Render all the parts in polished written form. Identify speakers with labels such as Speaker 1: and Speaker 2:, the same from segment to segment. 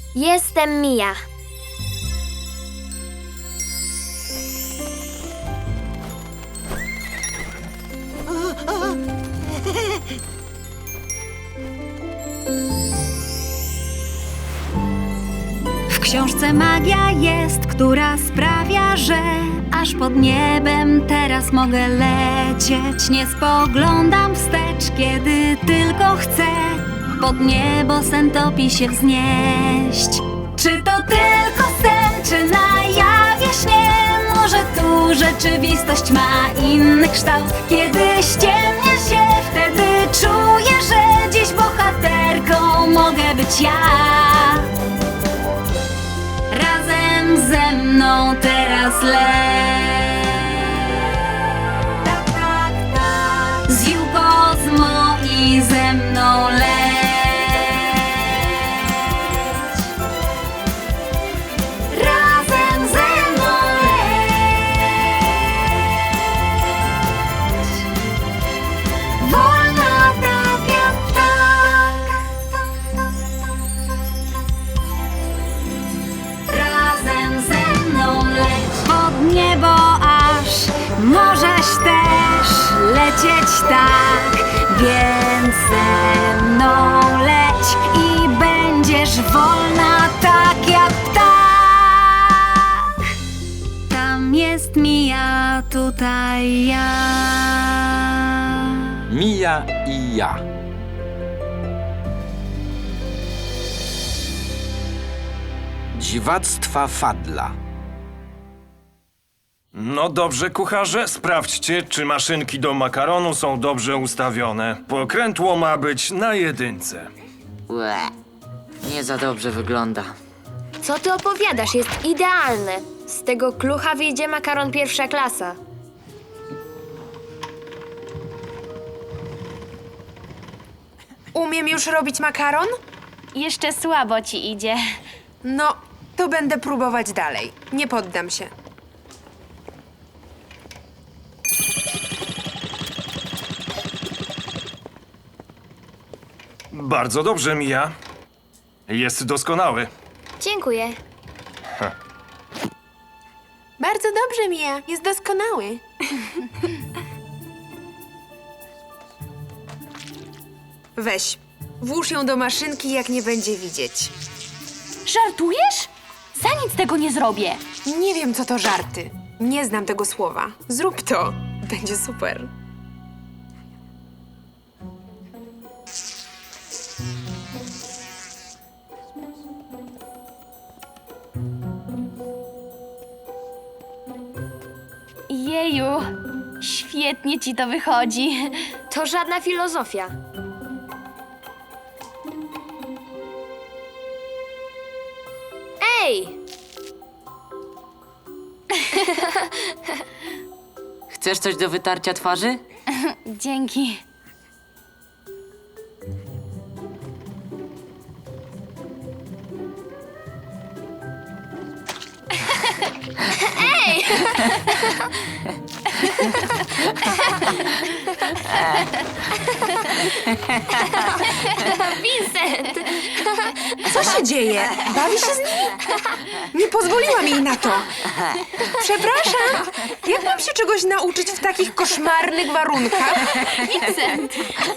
Speaker 1: Jestem Mia.
Speaker 2: W książce magia jest, która sprawia, że aż pod niebem teraz mogę lecieć. Nie spoglądam wstecz, kiedy tylko chcę pod niebo sen topi się wznieść. Czy to tylko sen, czy na jawie śnie? Może tu rzeczywistość ma inny kształt? Kiedy ściemnia się, wtedy czuję, że dziś bohaterką mogę być ja. Razem ze mną teraz leć. Tak, tak, tak. Z Jukozmo i ze mną leć. Razem ze mną leć. Wolna tak jak ptak. Razem ze mną leć pod niebo aż możesz też lecieć tak, więc ze mną leć i będziesz wolna tak jak ptak. Tam jest Mia, tutaj ja.
Speaker 3: Mia i ja. Dziwactwa Fadla.
Speaker 4: No dobrze, kucharze, sprawdźcie, czy maszynki do makaronu są dobrze ustawione. Pokrętło ma być na 1.
Speaker 5: Łe, nie za dobrze wygląda.
Speaker 1: Co ty opowiadasz? Jest idealny. Z tego klucha wyjdzie makaron pierwsza klasa.
Speaker 6: Umiem już robić makaron?
Speaker 7: Jeszcze słabo ci idzie.
Speaker 6: No, to będę próbować dalej. Nie poddam się.
Speaker 4: Bardzo dobrze, Mia. Jest doskonały.
Speaker 1: Dziękuję.
Speaker 6: Bardzo dobrze, Mia. Jest doskonały. Weź, włóż ją do maszynki, jak nie będzie widzieć.
Speaker 7: Żartujesz? Za nic tego nie zrobię.
Speaker 6: Nie wiem, co to żarty. Nie znam tego słowa. Zrób to. Będzie super.
Speaker 7: Jeju, świetnie ci to wychodzi.
Speaker 1: To żadna filozofia. Ej!
Speaker 5: Chcesz coś do wytarcia twarzy?
Speaker 7: Dzięki.
Speaker 1: Vincent!
Speaker 6: Co się dzieje? Bawi się z nimi? Nie pozwoliłam jej na to. Przepraszam. Jak mam się czegoś nauczyć w takich koszmarnych warunkach?
Speaker 7: Vincent!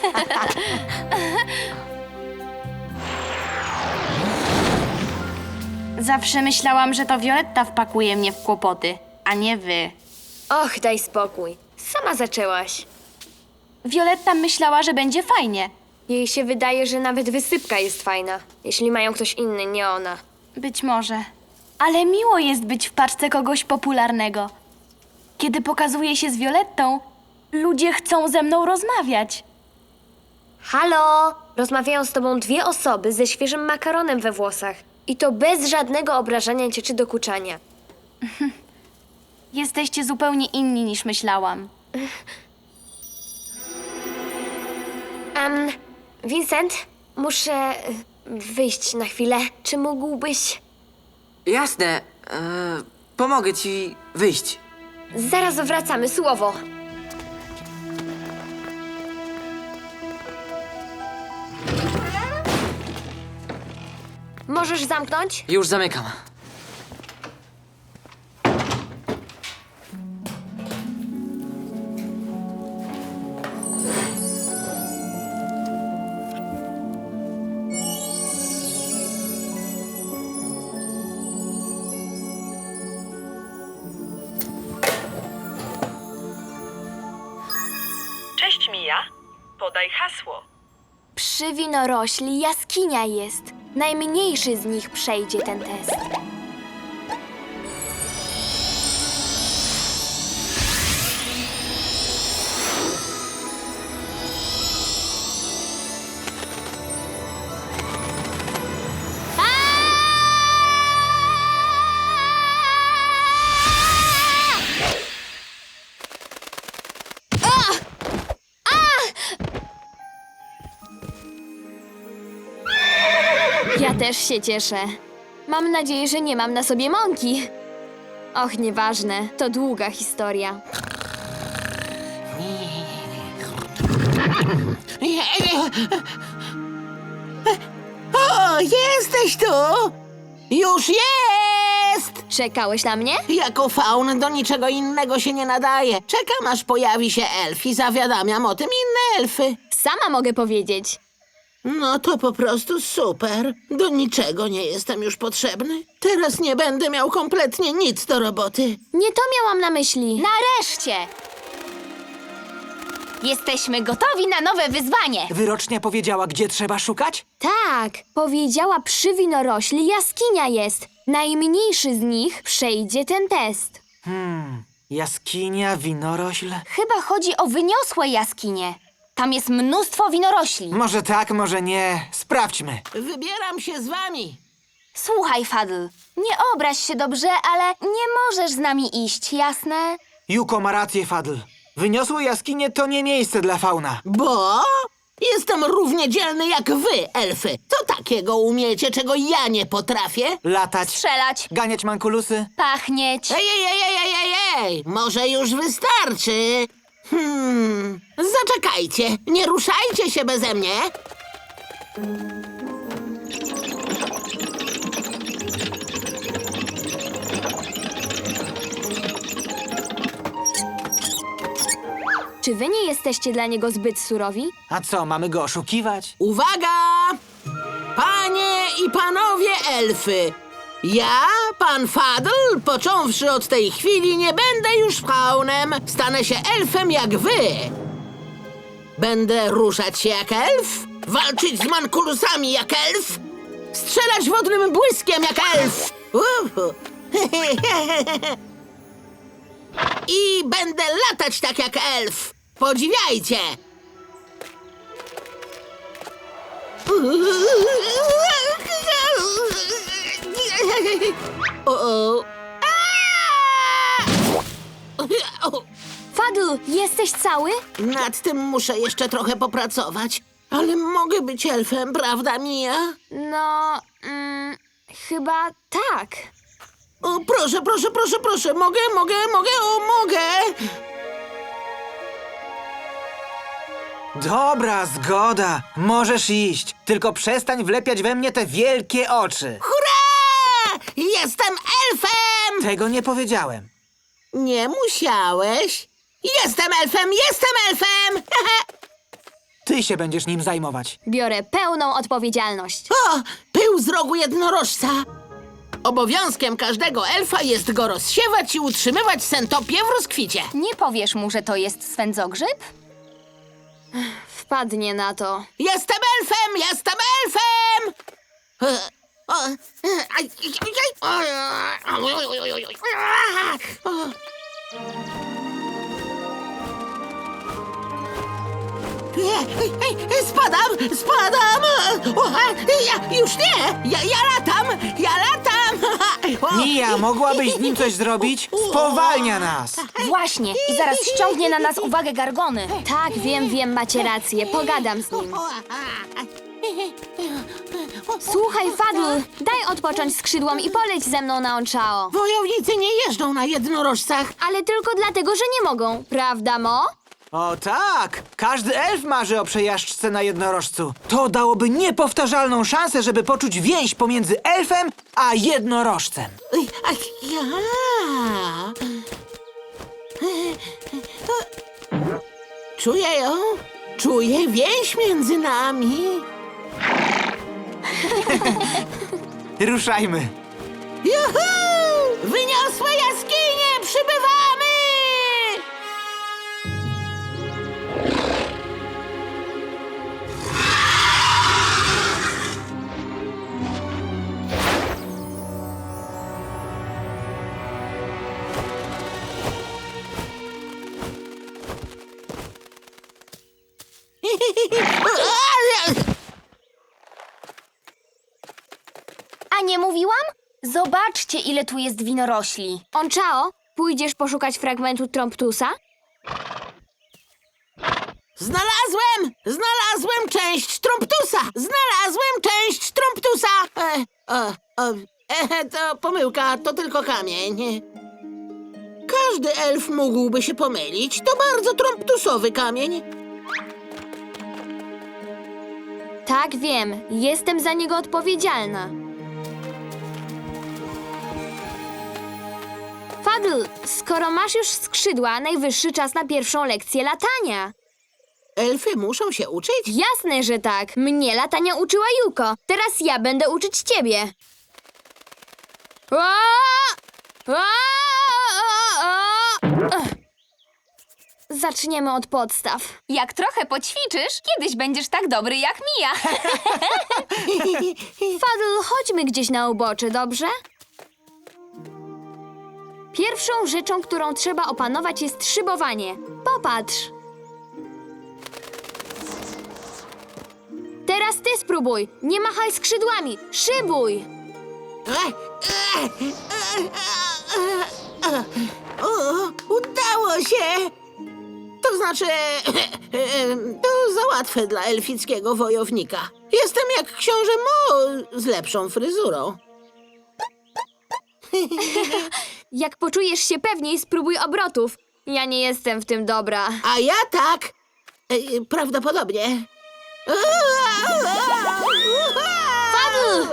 Speaker 7: Zawsze myślałam, że to Violetta wpakuje mnie w kłopoty, a nie wy.
Speaker 1: Och, daj spokój. Sama zaczęłaś.
Speaker 7: Violetta myślała, że będzie fajnie.
Speaker 1: Jej się wydaje, że nawet wysypka jest fajna. Jeśli mają ktoś inny, nie ona.
Speaker 7: Być może. Ale miło jest być w paczce kogoś popularnego. Kiedy pokazuję się z Violettą, ludzie chcą ze mną rozmawiać.
Speaker 1: Halo! Rozmawiają z tobą dwie osoby ze świeżym makaronem we włosach. I to bez żadnego obrażania cię czy dokuczania.
Speaker 7: Jesteście zupełnie inni niż myślałam.
Speaker 1: Vincent, muszę wyjść na chwilę. Czy mógłbyś...
Speaker 5: Jasne, pomogę ci wyjść.
Speaker 1: Zaraz wracamy, słowo. możesz zamknąć?
Speaker 5: Już zamykam.
Speaker 8: Cześć Mija, podaj hasło.
Speaker 1: Przy winorośli jaskinia jest. Najmniejszy z nich przejdzie ten test. Ja też się cieszę. Mam nadzieję, że nie mam na sobie mąki. Och, nieważne, to długa historia.
Speaker 9: O, jesteś tu! Już jest!
Speaker 1: Czekałeś na mnie?
Speaker 9: Jako faun do niczego innego się nie nadaje. Czekam, aż pojawi się elf i zawiadamiam o tym inne elfy.
Speaker 1: Sama mogę powiedzieć.
Speaker 9: No to po prostu super. Do niczego nie jestem już potrzebny. Teraz nie będę miał kompletnie nic do roboty.
Speaker 1: Nie to miałam na myśli.
Speaker 7: Nareszcie! Jesteśmy gotowi na nowe wyzwanie.
Speaker 10: Wyrocznia powiedziała, gdzie trzeba szukać?
Speaker 1: Tak, powiedziała przy winorośli jaskinia jest. Najmniejszy z nich przejdzie ten test.
Speaker 10: Jaskinia, winorośl.
Speaker 7: Chyba chodzi o wyniosłe jaskinie. Tam jest mnóstwo winorośli.
Speaker 10: Może tak, może nie. Sprawdźmy.
Speaker 9: Wybieram się z wami.
Speaker 7: Słuchaj, Fadl, nie obraź się dobrze, ale nie możesz z nami iść, jasne?
Speaker 10: Juko ma rację, Fadl. Wyniosłe jaskinie to nie miejsce dla fauna.
Speaker 9: Bo jestem równie dzielny jak wy, elfy. Co takiego umiecie, czego ja nie potrafię?
Speaker 10: Latać,
Speaker 7: Strzelać,
Speaker 10: ganiać mankulusy.
Speaker 7: pachnieć.
Speaker 9: Ej, może już wystarczy. Zaczekajcie, nie ruszajcie się beze mnie.
Speaker 1: Czy wy nie jesteście dla niego zbyt surowi?
Speaker 10: A co, mamy go oszukiwać?
Speaker 9: Uwaga! Panie i panowie elfy! Ja, pan Fadl, począwszy od tej chwili, nie będę już faunem. Stanę się elfem jak wy. Będę ruszać się jak elf, walczyć z mankulusami jak elf, strzelać wodnym błyskiem jak elf. I będę latać tak jak elf. Podziwiajcie! O.
Speaker 1: Fadl, jesteś cały?
Speaker 9: Nad tym muszę jeszcze trochę popracować. Ale mogę być elfem, prawda, Mija?
Speaker 1: No, chyba tak.
Speaker 9: O, proszę. Mogę.
Speaker 10: Dobra, zgoda. Możesz iść. Tylko przestań wlepiać we mnie te wielkie oczy.
Speaker 9: Hurra! Jestem elfem!
Speaker 10: Tego nie powiedziałem.
Speaker 9: Nie musiałeś. Jestem elfem!
Speaker 10: Ty się będziesz nim zajmować.
Speaker 1: Biorę pełną odpowiedzialność.
Speaker 9: O, pył z rogu jednorożca. Obowiązkiem każdego elfa jest go rozsiewać i utrzymywać sentopię w rozkwicie.
Speaker 7: Nie powiesz mu, że to jest swędzogrzyb?
Speaker 1: Wpadnie na to.
Speaker 9: Jestem elfem! Spadam! Już nie! Ja latam!
Speaker 10: Mija, mogłabyś z nim coś zrobić? Spowalnia nas.
Speaker 7: Właśnie, i zaraz ściągnie na nas uwagę Gargony.
Speaker 1: Tak, wiem, macie rację. Pogadam z nim. Słuchaj, Fadl, daj odpocząć skrzydłom i poleć ze mną na Onchao.
Speaker 9: Wojownicy nie jeżdżą na jednorożcach.
Speaker 1: Ale tylko dlatego, że nie mogą. Prawda, Mo?
Speaker 10: O tak! Każdy elf marzy o przejażdżce na jednorożcu. To dałoby niepowtarzalną szansę, żeby poczuć więź pomiędzy elfem a jednorożcem.
Speaker 9: Czuję ją. Czuję więź między nami.
Speaker 10: Ruszajmy.
Speaker 9: Juhu! Wyniosłe jaskinie! Przybywamy!
Speaker 7: A nie mówiłam? Zobaczcie, ile tu jest winorośli.
Speaker 1: Onchao, pójdziesz poszukać fragmentu Tromptusa?
Speaker 9: Znalazłem część Tromptusa! Znalazłem część Tromptusa! To pomyłka, to tylko kamień. Każdy elf mógłby się pomylić. To bardzo Tromptusowy kamień.
Speaker 1: Tak, wiem. Jestem za niego odpowiedzialna. Fadl, skoro masz już skrzydła, najwyższy czas na pierwszą lekcję latania.
Speaker 9: Elfy muszą się uczyć?
Speaker 1: Jasne, że tak. Mnie latania uczyła Yuko. Teraz ja będę uczyć ciebie. Zaczniemy od podstaw.
Speaker 7: Jak trochę poćwiczysz, kiedyś będziesz tak dobry jak Mia.
Speaker 1: Fadl, chodźmy gdzieś na ubocze, dobrze? Pierwszą rzeczą, którą trzeba opanować, jest szybowanie. Popatrz. Teraz ty spróbuj. Nie machaj skrzydłami. Szybuj.
Speaker 9: O, udało się! To znaczy, to za łatwe dla elfickiego wojownika. Jestem jak książę Mo z lepszą fryzurą.
Speaker 1: Jak poczujesz się pewniej, spróbuj obrotów. Ja nie jestem w tym dobra.
Speaker 9: A ja tak. Prawdopodobnie.
Speaker 1: Fadl!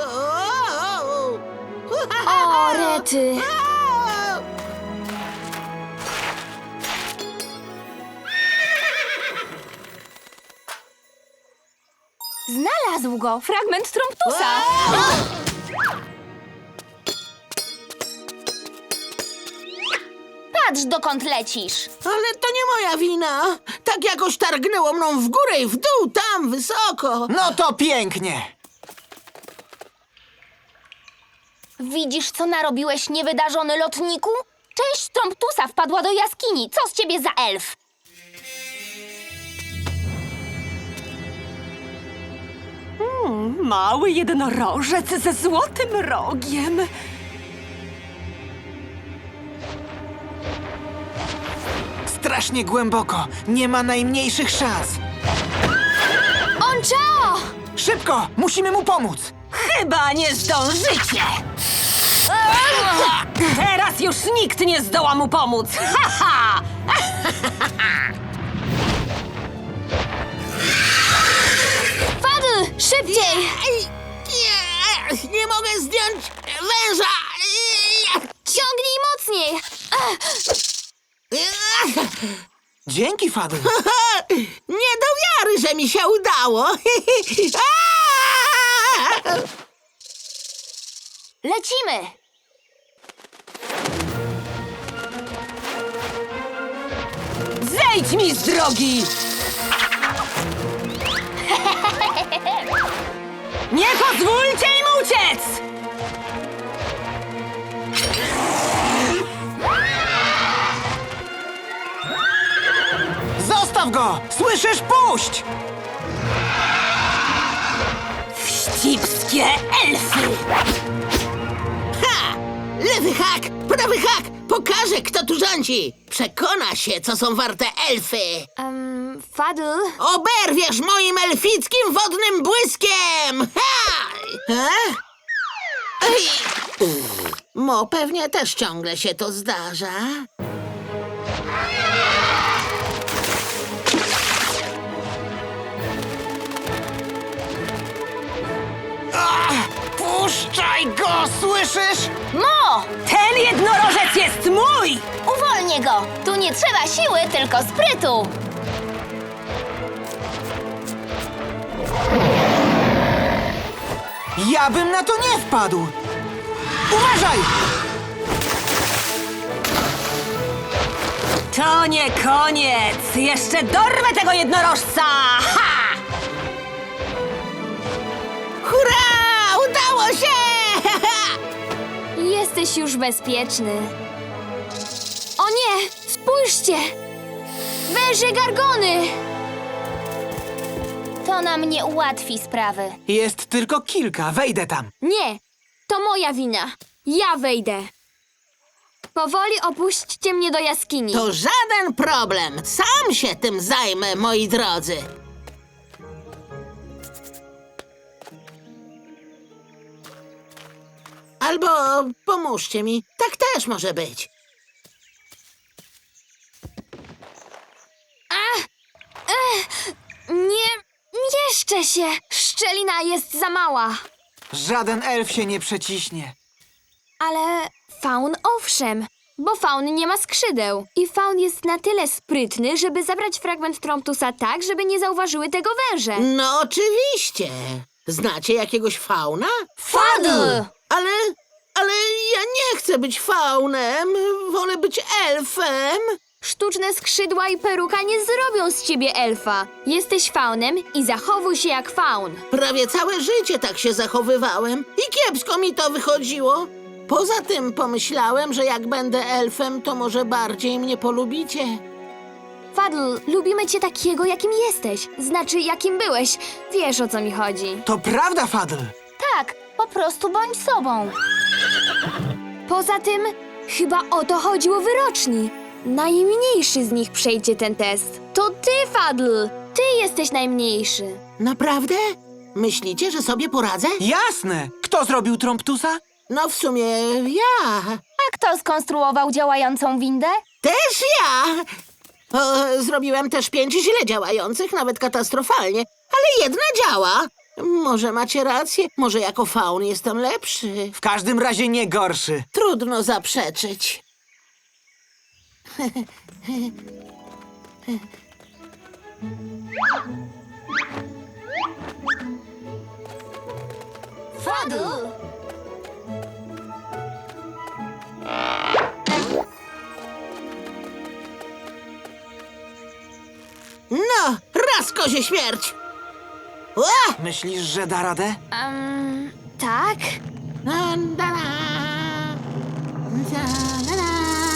Speaker 1: O, rety.
Speaker 7: Znalazł go! Fragment Tromptusa! Patrz, dokąd lecisz!
Speaker 9: Ale to nie moja wina. Tak jakoś targnęło mną w górę i w dół, tam wysoko.
Speaker 10: No to pięknie!
Speaker 7: Widzisz, co narobiłeś, niewydarzony lotniku? Część Tromptusa wpadła do jaskini. Co z ciebie za elf?
Speaker 11: Mały jednorożec ze złotym rogiem.
Speaker 10: Strasznie głęboko. Nie ma najmniejszych szans.
Speaker 1: Onchao!
Speaker 10: Szybko! Musimy mu pomóc!
Speaker 11: Chyba nie zdążycie! Teraz już nikt nie zdoła mu pomóc! Ha, ha!
Speaker 1: Fadl, szybciej!
Speaker 9: Nie mogę zdjąć węża.
Speaker 1: Ciągnij mocniej!
Speaker 10: Dzięki, Fadl.
Speaker 9: Nie do wiary, że mi się udało.
Speaker 7: Lecimy!
Speaker 11: Zejdź mi z drogi! Nie pozwólcie im uciec!
Speaker 10: Zostaw go! Słyszysz? Puść!
Speaker 11: Wścibskie elfy!
Speaker 9: Ha! Lewy hak, prawy hak. Pokażę, kto tu rządzi. Przekona się, co są warte elfy.
Speaker 1: Fadl,
Speaker 9: Oberwiesz moim elfickim wodnym błyskiem! Ha! Ej. Mo pewnie też ciągle się to zdarza.
Speaker 10: Mo, słyszysz?
Speaker 11: Mo! Ten jednorożec jest mój!
Speaker 7: Uwolnię go! Tu nie trzeba siły, tylko sprytu!
Speaker 10: Ja bym na to nie wpadł! Uważaj!
Speaker 11: To nie koniec! Jeszcze dorwę tego jednorożca! Ha!
Speaker 9: Hurra! Udało się!
Speaker 1: Jesteś już bezpieczny. O nie! Spójrzcie! Węże Gargony!
Speaker 7: To nam nie ułatwi sprawy.
Speaker 10: Jest tylko kilka, wejdę tam.
Speaker 1: Nie! To moja wina. Ja wejdę. Powoli opuśćcie mnie do jaskini.
Speaker 9: To żaden problem. Sam się tym zajmę, moi drodzy. Albo pomóżcie mi. Tak też może być.
Speaker 1: Nie mieszczę się! Szczelina jest za mała.
Speaker 10: Żaden elf się nie przeciśnie.
Speaker 1: Ale faun owszem, bo faun nie ma skrzydeł. I faun jest na tyle sprytny, żeby zabrać fragment Tromptusa tak, żeby nie zauważyły tego węże.
Speaker 9: No oczywiście. Znacie jakiegoś fauna?
Speaker 1: Fadl!
Speaker 9: Ale ja nie chcę być faunem. Wolę być elfem.
Speaker 1: Sztuczne skrzydła i peruka nie zrobią z ciebie elfa. Jesteś faunem i zachowuj się jak faun.
Speaker 9: Prawie całe życie tak się zachowywałem i kiepsko mi to wychodziło. Poza tym pomyślałem, że jak będę elfem, to może bardziej mnie polubicie.
Speaker 1: Fadl, lubimy cię takiego, jakim jesteś. Znaczy, jakim byłeś. Wiesz, o co mi chodzi.
Speaker 10: To prawda, Fadl.
Speaker 7: Tak, po prostu bądź sobą.
Speaker 1: Poza tym, chyba o to chodziło wyroczni. Najmniejszy z nich przejdzie ten test. To ty, Fadl! Ty jesteś najmniejszy.
Speaker 9: Naprawdę? Myślicie, że sobie poradzę?
Speaker 10: Jasne! Kto zrobił Tromptusa?
Speaker 9: No w sumie ja.
Speaker 7: A kto skonstruował działającą windę?
Speaker 9: Też ja! Zrobiłem też 5 źle działających, nawet katastrofalnie, ale jedna działa. Może macie rację, może jako faun jestem lepszy.
Speaker 10: W każdym razie nie gorszy.
Speaker 9: Trudno zaprzeczyć.
Speaker 1: Fadl!
Speaker 9: No, raz kozie śmierć! Ła!
Speaker 10: Myślisz, że da radę?
Speaker 1: Tak?
Speaker 9: Da, da, da. Da, da, da.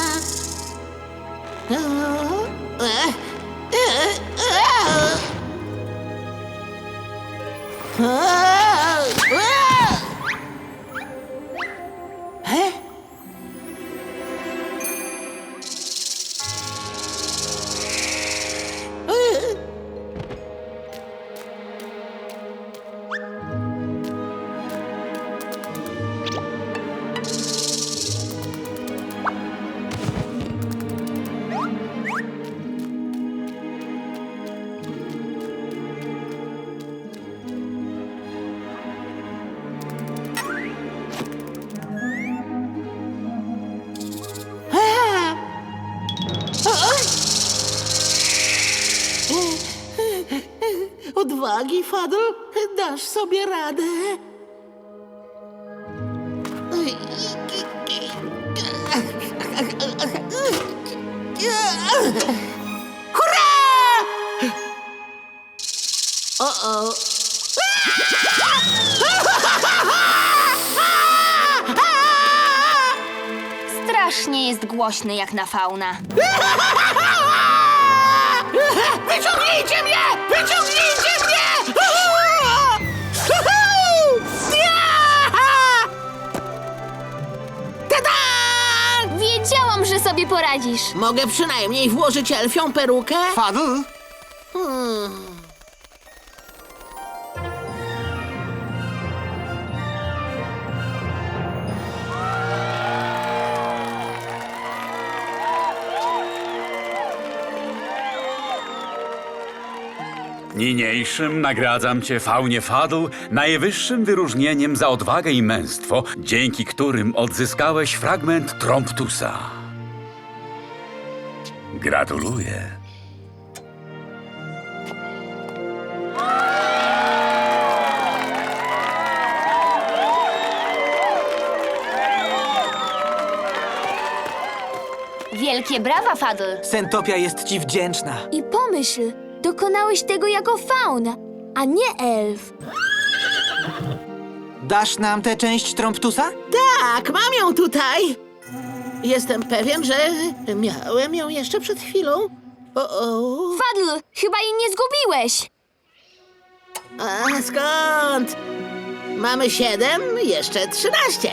Speaker 9: Odwagi, Fadl, dasz sobie radę. Hurra! O-o.
Speaker 7: Strasznie jest głośny jak na fauna.
Speaker 9: Wyciągnijcie mnie! Wyciągnijcie mnie! Tada!
Speaker 1: Wiedziałam, że sobie poradzisz.
Speaker 9: Mogę przynajmniej włożyć elfią perukę?
Speaker 10: Fadl?
Speaker 12: Niniejszym nagradzam cię, Faunie Fadl, najwyższym wyróżnieniem za odwagę i męstwo, dzięki którym odzyskałeś fragment Tromptusa. Gratuluję.
Speaker 7: Wielkie brawa, Fadl.
Speaker 10: Sentopia jest ci wdzięczna.
Speaker 1: I pomyśl, dokonałeś tego jako faun, a nie elf.
Speaker 10: Dasz nam tę część Tromptusa?
Speaker 9: Tak, mam ją tutaj. Jestem pewien, że miałem ją jeszcze przed chwilą. O.
Speaker 1: Fadl, chyba jej nie zgubiłeś.
Speaker 9: A skąd? Mamy 7, jeszcze 13.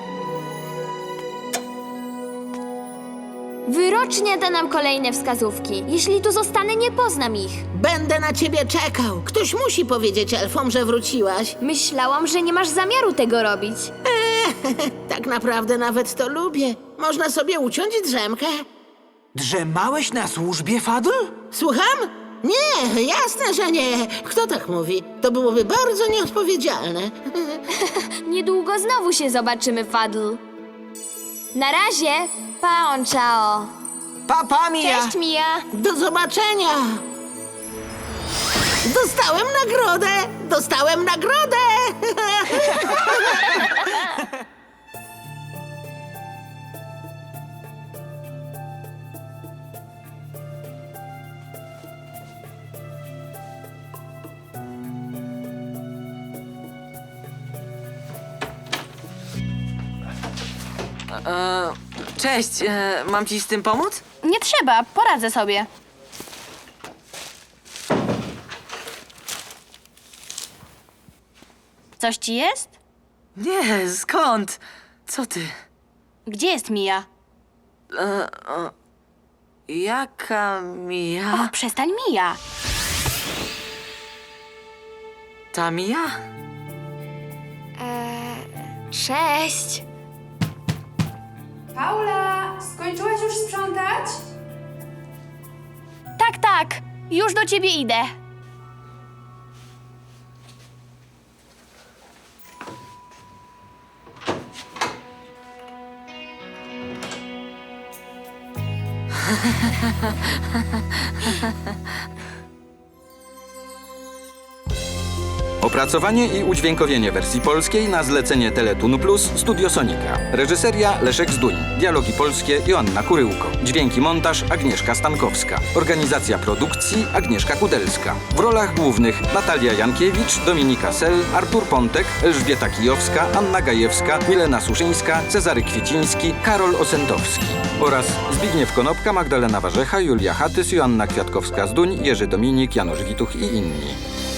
Speaker 1: Wyrocznia da nam kolejne wskazówki. Jeśli tu zostanę, nie poznam ich.
Speaker 9: Będę na ciebie czekał. Ktoś musi powiedzieć elfom, że wróciłaś.
Speaker 1: Myślałam, że nie masz zamiaru tego robić.
Speaker 9: Tak naprawdę nawet to lubię. Można sobie uciąć drzemkę.
Speaker 10: Drzemałeś na służbie, Fadl?
Speaker 9: Słucham? Nie, jasne, że nie. Kto tak mówi? To byłoby bardzo nieodpowiedzialne.
Speaker 1: Niedługo znowu się zobaczymy, Fadl. Na razie, pa, ciao.
Speaker 10: Pa, Mia!
Speaker 1: Cześć, Mia.
Speaker 9: Do zobaczenia! Dostałem nagrodę! Dostałem nagrodę!
Speaker 5: Cześć, mam ci z tym pomóc?
Speaker 7: Nie trzeba, poradzę sobie. Coś ci jest?
Speaker 5: Nie, skąd? Co ty?
Speaker 7: Gdzie jest Mia?
Speaker 5: Jaka Mia?
Speaker 7: Och, przestań, Mia.
Speaker 5: Ta Mia?
Speaker 1: Cześć.
Speaker 6: Paula, skończyłaś już sprzątać?
Speaker 7: Tak, tak. Już do ciebie idę.
Speaker 3: Opracowanie i udźwiękowienie wersji polskiej na zlecenie Teletun Plus Studio Sonika. Reżyseria Leszek Zduń. Dialogi polskie Joanna Kuryłko. Dźwięki montaż Agnieszka Stankowska. Organizacja produkcji Agnieszka Kudelska. W rolach głównych Natalia Jankiewicz, Dominika Sel, Artur Pontek, Elżbieta Kijowska, Anna Gajewska, Milena Suszyńska, Cezary Kwieciński, Karol Osentowski. Oraz Zbigniew Konopka, Magdalena Warzecha, Julia Hatys, Joanna Kwiatkowska-Zduń, Jerzy Dominik, Janusz Wituch i inni.